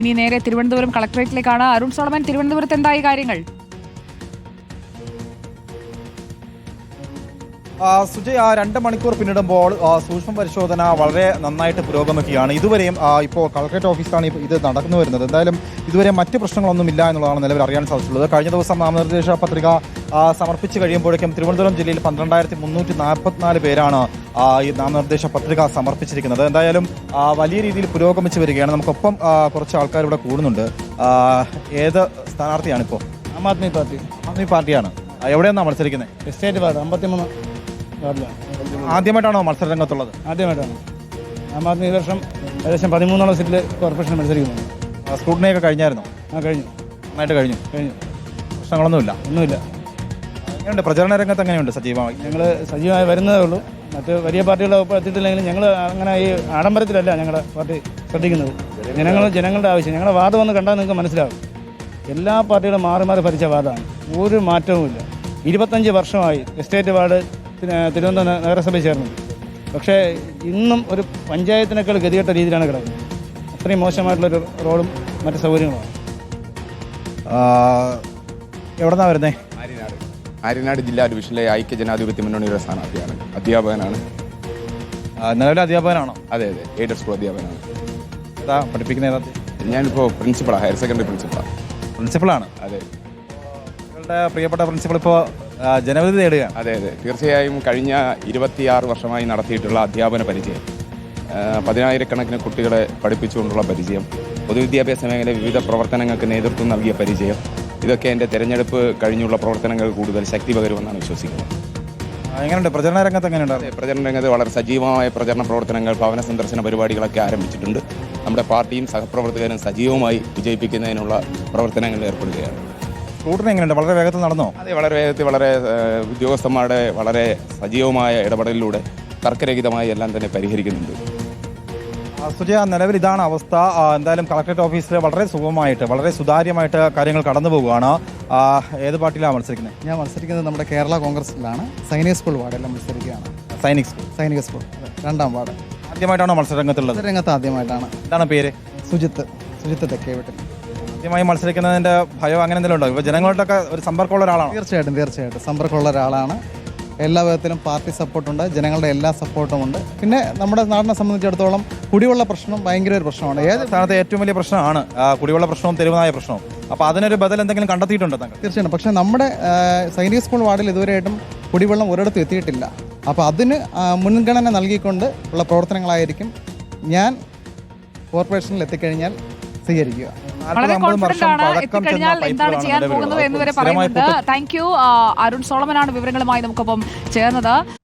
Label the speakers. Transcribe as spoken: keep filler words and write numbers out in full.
Speaker 1: ഇനി നേരെ തിരുവനന്തപുരം കളക്ടറേറ്റിലേക്കാണ്. അരുൺ സോളമൻ, തിരുവനന്തപുരത്ത് എന്തായി കാര്യങ്ങൾ?
Speaker 2: സുജയ്, ആ രണ്ട് മണിക്കൂർ പിന്നിടുമ്പോൾ സൂക്ഷ്മ പരിശോധന വളരെ നന്നായിട്ട് പുരോഗമിക്കുകയാണ്. ഇതുവരെയും ഇപ്പോൾ കളക്ടറേറ്റ് ഓഫീസിലാണ് ഇത് നടന്നു വരുന്നത്. എന്തായാലും ഇതുവരെ മറ്റ് പ്രശ്നങ്ങളൊന്നുമില്ല എന്നുള്ളതാണ് നിലവിൽ അറിയാൻ സാധിച്ചിട്ടുള്ളത്. കഴിഞ്ഞ ദിവസം നാമനിർദ്ദേശ പത്രിക സമർപ്പിച്ച് കഴിയുമ്പോഴേക്കും തിരുവനന്തപുരം ജില്ലയിൽ പന്ത്രണ്ടായിരത്തി മുന്നൂറ്റി നാൽപ്പത്തിനാല് പേരാണ് ഈ നാമനിർദ്ദേശ പത്രിക സമർപ്പിച്ചിരിക്കുന്നത്. എന്തായാലും വലിയ രീതിയിൽ പുരോഗമിച്ച് വരികയാണ്. നമുക്കൊപ്പം കുറച്ച് ആൾക്കാർ ഇവിടെ കൂടുന്നുണ്ട്. ഏത് സ്ഥാനാർത്ഥിയാണിപ്പോൾ?
Speaker 3: ആം ആദ്മി പാർട്ടി.
Speaker 2: ആദ്മി പാർട്ടിയാണ്. എവിടെയാണ് മത്സരിക്കുന്നത്?
Speaker 3: എസ്റ്റേറ്റ് വാർഡ് അമ്പത്തിമൂന്ന് വാർഡിലാണ്.
Speaker 2: ആദ്യമായിട്ടാണോ മത്സര രംഗത്തുള്ളത്?
Speaker 3: ആദ്യമായിട്ടാണ്. ആം ആദ്മി ഈ വർഷം ഏകദേശം പതിമൂന്നോളം സീറ്റിൽ കോർപ്പറേഷൻ മത്സരിക്കുന്നു.
Speaker 2: സ്ക്രൂട്ടിനിയൊക്കെ കഴിഞ്ഞായിരുന്നോ?
Speaker 3: ആ കഴിഞ്ഞു,
Speaker 2: നന്നായിട്ട് കഴിഞ്ഞു.
Speaker 3: കഴിഞ്ഞു.
Speaker 2: പ്രശ്നങ്ങളൊന്നുമില്ല?
Speaker 3: ഒന്നുമില്ല.
Speaker 2: എങ്ങനെയുണ്ട് പ്രചരണ രംഗത്ത്? എങ്ങനെയുണ്ട് സജീവമായി?
Speaker 3: ഞങ്ങൾ സജീവമായി വരുന്നതേ ഉള്ളൂ. മറ്റ് വലിയ പാർട്ടികളെ ഒപ്പം എത്തിയിട്ടില്ലെങ്കിലും ഞങ്ങൾ അങ്ങനെ ഈ ആഡംബരത്തിലല്ല ഞങ്ങളുടെ പാർട്ടി ശ്രദ്ധിക്കുന്നത്. ജനങ്ങൾ ജനങ്ങളുടെ ആവശ്യം. ഞങ്ങളുടെ വാർഡ് വന്ന് കണ്ടാൽ നിങ്ങൾക്ക് മനസ്സിലാവും. എല്ലാ പാർട്ടികളും മാറി മാറി ഭരിച്ച വാർഡാണ്. ഒരു മാറ്റവുമില്ല. ഇരുപത്തഞ്ച് വർഷമായി എസ്റ്റേറ്റ് വാർഡ് തിരുവനന്തപുരം നഗരസഭയിൽ ചേർന്നത്. പക്ഷേ ഇന്നും ഒരു പഞ്ചായത്തിനേക്കാൾ ഗതികെട്ട രീതിയിലാണ് കിടക്കുന്നത്. അത്രയും മോശമായിട്ടുള്ളൊരു റോഡും മറ്റ് സൗകര്യങ്ങളുമാണ്.
Speaker 2: എവിടെന്നാണ് വരുന്നത്?
Speaker 4: ആര്യനാട്. ആര്യനാട് ജില്ലാ ഡിവിഷനിലെ ഐക്യ ജനാധിപത്യ മുന്നണിയുടെ സ്ഥാനാർത്ഥിയാണ്. അധ്യാപകനാണ്.
Speaker 2: നിലവിലെ അധ്യാപകനാണോ?
Speaker 4: അതെ അതെ, എയ്ഡഡ് സ്കൂൾ അധ്യാപകനാണ്.
Speaker 2: ഏതാ പഠിപ്പിക്കുന്ന? ഏതാ?
Speaker 4: ഞാനിപ്പോൾ പ്രിൻസിപ്പളാണ്, ഹയർ സെക്കൻഡറി പ്രിൻസിപ്പളാണ്.
Speaker 2: പ്രിൻസിപ്പളാണ്?
Speaker 4: അതെ.
Speaker 2: നിങ്ങളുടെ പ്രിയപ്പെട്ട പ്രിൻസിപ്പൾ ഇപ്പോൾ ജനവിധി നേടുകയാണ്.
Speaker 4: അതെ അതെ, തീർച്ചയായും കഴിഞ്ഞ ഇരുപത്തിയാറ് വർഷമായി നടത്തിയിട്ടുള്ള അധ്യാപന പരിചയം, പതിനായിരക്കണക്കിന് കുട്ടികളെ പഠിപ്പിച്ചുകൊണ്ടുള്ള പരിചയം, പൊതുവിദ്യാഭ്യാസ മേഖലയിലെ വിവിധ പ്രവർത്തനങ്ങൾക്ക് നേതൃത്വം നൽകിയ പരിചയം, ഇതൊക്കെ എൻ്റെ തെരഞ്ഞെടുപ്പ് കഴിഞ്ഞുള്ള പ്രവർത്തനങ്ങൾ കൂടുതൽ ശക്തി പകരുമെന്നാണ് വിശ്വസിക്കുന്നത്.
Speaker 2: എങ്ങനെയുണ്ട് പ്രചരണ രംഗത്ത്? എങ്ങനെയുണ്ട്
Speaker 4: പ്രചരണ രംഗത്ത്? വളരെ സജീവമായ പ്രചരണ പ്രവർത്തനങ്ങൾ, ഭവന സന്ദർശന പരിപാടികളൊക്കെ ആരംഭിച്ചിട്ടുണ്ട്. നമ്മുടെ പാർട്ടിയും സഹപ്രവർത്തകരും സജീവമായി വിജയിപ്പിക്കുന്നതിനുള്ള പ്രവർത്തനങ്ങളിൽ ഏർപ്പെടുകയാണ്.
Speaker 2: സ്കൂട്ടറിന് എങ്ങനെയുണ്ട്? വളരെ വേഗത്തിൽ നടന്നോ?
Speaker 4: അതെ, വളരെ വേഗത്തിൽ, വളരെ ഉദ്യോഗസ്ഥന്മാരുടെ വളരെ സജീവമായ ഇടപെടലിലൂടെ തർക്കരഹിതമായി എല്ലാം തന്നെ പരിഹരിക്കുന്നുണ്ട്.
Speaker 2: സുജയ, നിലവിൽ ഇതാണ് അവസ്ഥ. എന്തായാലും കളക്ടറേറ്റ് ഓഫീസിൽ വളരെ സുഗമമായിട്ട്, വളരെ സുതാര്യമായിട്ട് കാര്യങ്ങൾ കടന്നു പോവുകയാണ്. ഏത് പാർട്ടിയിലാണ് മത്സരിക്കുന്നത്?
Speaker 5: ഞാൻ മത്സരിക്കുന്നത് നമ്മുടെ കേരള കോൺഗ്രസിലാണ്. സൈനിക സ്കൂൾ വാർഡെല്ലാം മത്സരിക്കുകയാണ്.
Speaker 2: സൈനിക് സ്കൂൾ?
Speaker 5: സൈനിക സ്കൂൾ, രണ്ടാം വാർഡ്.
Speaker 2: ആദ്യമായിട്ടാണോ മത്സരരംഗത്തുള്ളത്?
Speaker 5: രംഗത്ത് ആദ്യമായിട്ടാണ്.
Speaker 2: എന്താണ് പേര്?
Speaker 5: സുജിത്ത്. സുജിത്ത് തെക്കേ വീട്ടിൽ.
Speaker 2: ആദ്യമായി മത്സരിക്കുന്നതിൻ്റെ ഭയം അങ്ങനെ എന്തെങ്കിലും ഉണ്ടോ? ഇപ്പോൾ ജനങ്ങളോടൊക്കെ ഒരു സമ്പർക്കമുള്ള ഒരാളാണ്?
Speaker 5: തീർച്ചയായിട്ടും തീർച്ചയായിട്ടും സമ്പർക്കമുള്ള ഒരാളാണ്. എല്ലാ വിധത്തിലും പാർട്ടി സപ്പോർട്ടുണ്ട്, ജനങ്ങളുടെ എല്ലാ സപ്പോർട്ടും ഉണ്ട്. പിന്നെ നമ്മുടെ നാടിനെ സംബന്ധിച്ചിടത്തോളം കുടിവെള്ള പ്രശ്നം ഭയങ്കര ഒരു പ്രശ്നമാണ്. ഏത്
Speaker 2: സ്ഥാനത്തെ ഏറ്റവും വലിയ പ്രശ്നമാണ് കുടിവെള്ള പ്രശ്നവും തെരുവുനായ പ്രശ്നവും. അപ്പോൾ അതിനൊരു ബദൽ എന്തെങ്കിലും കണ്ടെത്തിയിട്ടുണ്ടോ താങ്കൾ?
Speaker 5: തീർച്ചയായിട്ടും. പക്ഷേ നമ്മുടെ സൈനിക സ്കൂൾ വാർഡിൽ ഇതുവരെയായിട്ടും കുടിവെള്ളം ഒരിടത്തും എത്തിയിട്ടില്ല. അപ്പോൾ അതിന് മുൻഗണന നൽകിക്കൊണ്ട് ഉള്ള പ്രവർത്തനങ്ങളായിരിക്കും ഞാൻ കോർപ്പറേഷനിൽ എത്തിക്കഴിഞ്ഞാൽ സ്വീകരിക്കുക.
Speaker 1: വളരെ കോൺഫിഡന്റ് ആണ്. എത്തിക്കഴിഞ്ഞാൽ എന്താണ് ചെയ്യാൻ പോകുന്നത് എന്ന് വരെ പറയുന്നുണ്ട്. Thank you. അരുൺ സോളമനാണ് വിവരങ്ങളുമായി നമുക്കൊപ്പം ചേർന്നത്.